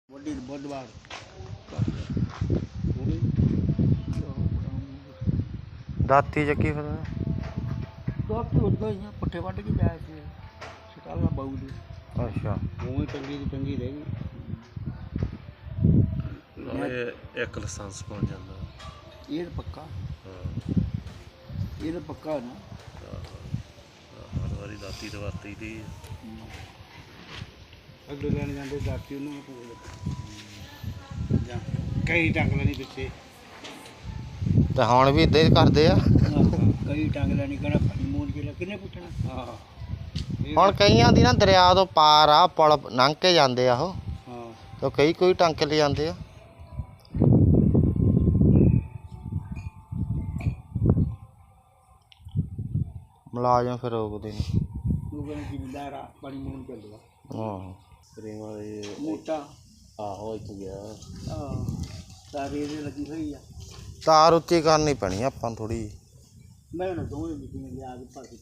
बुधवार दाती ਚੱਕੀ ਫਿਰ दाती उदा ही पट्ठे वढ़ के जाए थे शकाला बहू दे ਅੱਛਾ उवें टंगी रह गई एक लाइसेंस बन जाता ये तो पक्का ये तो पक्का है ना हर बारी दाती तो वरती दी अगले लैन जाते दाती उन्होंने कई टंग लेनी पिछे ਤੇ ਹੁਣ ਵੀ ਇਦਾਂ ਹੀ ਕਰਦੇ ਆ कई टंग लेनी कहना पानी मूल के किन्ने पुछना हाँ ਹੁਣ ਕਈਆਂ ਦੀ ਨਾ ਦਰਿਆ ਤੋਂ ਪਾਰ ਆ ਪੁਲ ਲੰਘ ਕੇ ਜਾਂਦੇ ਆ ਉਹ हाँ ਤੇ ਕਈ ਕੋਈ ਟੰਗ ਕੇ ਲੈ ਜਾਂਦੇ ਆ ਮੁਲਾਜ਼ਮ ਫਿਰ ਰੋਕਦੇ ਨੇ लोगों ने जिम्मेदार पानी मूल चल रहा ਹਾਂ प्रेमा ये मोटा आहो इतने गया हाँ तारी ये लगी हुई है ਤਾਰ ਉੱਚੀ ਕਰਨੀ ਪੈਣੀ ਆਪਾਂ ਨੂੰ ਥੋੜੀ मैं ना दो मीटिंग ले आगे पास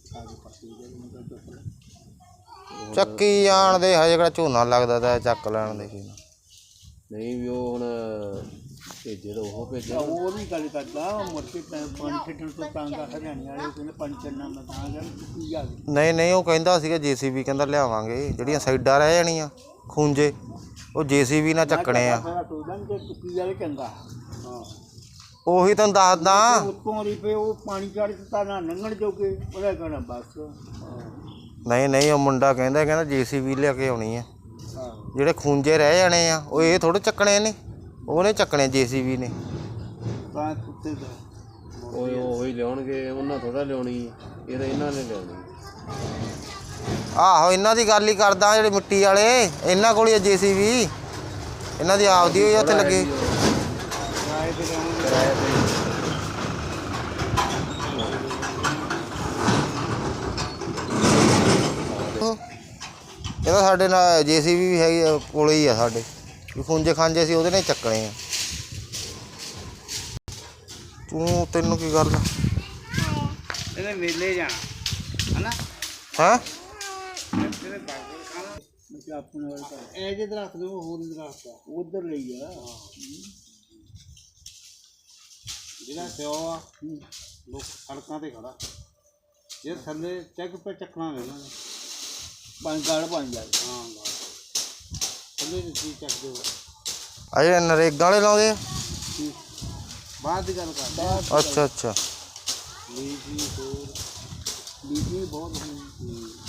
ਚੱਕੀ ਜਾਣ ਦੇ ਹਜੇ ਕਿਹੜਾ ਝੋਨਾ ਲੱਗਦਾ ਤਾਂ ਚੱਕ ਲੈਣ ਦੇ ਕੀ नहीं भी वो हुण भेजे तो वो भेजे वो भी गल करदा मुड़ के पानी छड्डण ਤੋਂ ਤੰਗ ਆ ਹਰਿਆਣੇ ਵਾਲੇ ਕਹਿੰਦੇ ਪਾਣੀ ਛੱਡਣਾ ਮੈਂ ਤਾਂ ਜਾਂ ਕੀ ਆ ਗਈ ਨਹੀਂ ਨਹੀਂ ਉਹ ਕਹਿੰਦਾ ਸੀਗਾ ਜੀਸੀਬੀ ਕਹਿੰਦਾ ਲਿਆਵਾਂਗੇ ਜਿਹੜੀਆਂ ਸਾਈਡਾਂ ਰਹਿ ਜਾਣੀਆਂ ਖੂੰਜੇ ਉਹ ਜੀਸੀਬੀ ਨਾਲ ਚੱਕਣੇ ਆ ਸੋਚਦਾ ਕਿ ਟੁੱਕੀ ਵਾਲੇ ਚੰਗਾ ਹਾਂ ਉਹੀ ਤੁਹਾਨੂੰ ਦੱਸਦਾ ਉੱਤੋਂ ਦੀ ਪਏ ਉਹ ਪਾਣੀ ਚੜ੍ਹ ਦਿੱਤਾ ਨਾ ਲੰਘਣ ਜੋਗੇ ਉਹਦਾ ਕਹਿਣਾ ਬਸ ਨਹੀਂ ਨਹੀਂ ਉਹ ਮੁੰਡਾ ਕਹਿੰਦਾ ਜੀਸੀਬੀ ਲਿਆ ਕੇ ਆਉਣੀ ਆ ਹਾਂ ਜਿਹੜੇ ਖੂੰਜੇ ਰਹਿ ਜਾਣੇ ਆ ਉਹ ਇਹ ਥੋੜ੍ਹੇ ਚੱਕਣੇ ਨੇ ਉਹਨੇ ਚੱਕਣੇ ਜੀਸੀਬੀ ਨੇ ਤਾਂ ਕੁੱਤੇ ਦਾ ਉਹ ਹੀ ਲਿਆਉਣਗੇ ਉਹਨਾਂ ਥੋੜਾ ਲਿਆਉਣੀ ਇਹ ਤਾਂ ਇਹਨਾਂ ਨੇ ਲਿਆਉਣੀ ਆਹੋ ਇਹਨਾਂ ਦੀ ਗੱਲ ਹੀ ਕਰਦਾ ਜਿਹੜੇ ਮਿੱਟੀ ਵਾਲੇ ਇਹਨਾਂ ਕੋਲ ਹੀ ਆ ਜੀਸੀਬੀ ਇਹਨਾਂ ਦੀ ਆਪਦੀ ਹੋਈ ਉੱਥੇ ਲੱਗੇ ਕਿਰਾਏ ਤੇ ਲਿਆਉਣਗੇ ਕਿਰਾਏ ਤੇ ਇਹਦਾ ਸਾਡੇ ਨਾਲ ਜੀਸੀਬੀ ਵੀ ਹੈਗੀ ਆ, ਕੋਲੇ ਹੀ ਆ ਸਾਡੇ ਵੀ ਖੂੰਜੇ ਖਾਂਜੇ ਸੀ ਉਹਦੇ ਨਾਲ ਹੀ ਚੱਕਣੇ ਆ ਤੈਨੂੰ ਕੀ ਗੱਲ ਇਹਦੇ ਮੇਲੇ ਜਾਣਾ ਹਨਾ ਹੈਂ ਇਹਦੇ ਬਾਗਰ ਖਾਣਾ ਮੈਂ ਆਪਣੇ ਵਾਲੇ ਘਰ ਇਹ ਜੇ ਦਰਖਤ ਨੇ ਉਹ ਹੋਰ ਦਰਖਤ ਆ ਉਧਰ ਲਈ ਆ ਜਿਹੜਾ ਸਿਓ ਆ ਲੋਕ ਸੜਕਾਂ ਤੇ ਖੜਾ ਇਹ ਥੱਲੇ ਚੱਕ ਪੇ ਚੱਕਣਾ ਲੈਣਾ ਪੰਜ ਗਾੜ ਬਣ ਜਾਏ ਹਾਂ ਗਾੜ ਥੱਲੇ ਦੀ ਚੀਜ਼ ਚੱਕ ਦਿਓ ਅਜੇ ਨਰੇਗਾ ਵਾਲੇ ਲਾਉਂਦੇ ਆ ਬਾਅਦ ਦੀ ਗੱਲ ਕਰਦਾ ਅੱਛਾ ਅੱਛਾ ਲੀਜੀ ਹੋਰ ਲੀਜੀ ਬਹੁਤ ਹੋਈ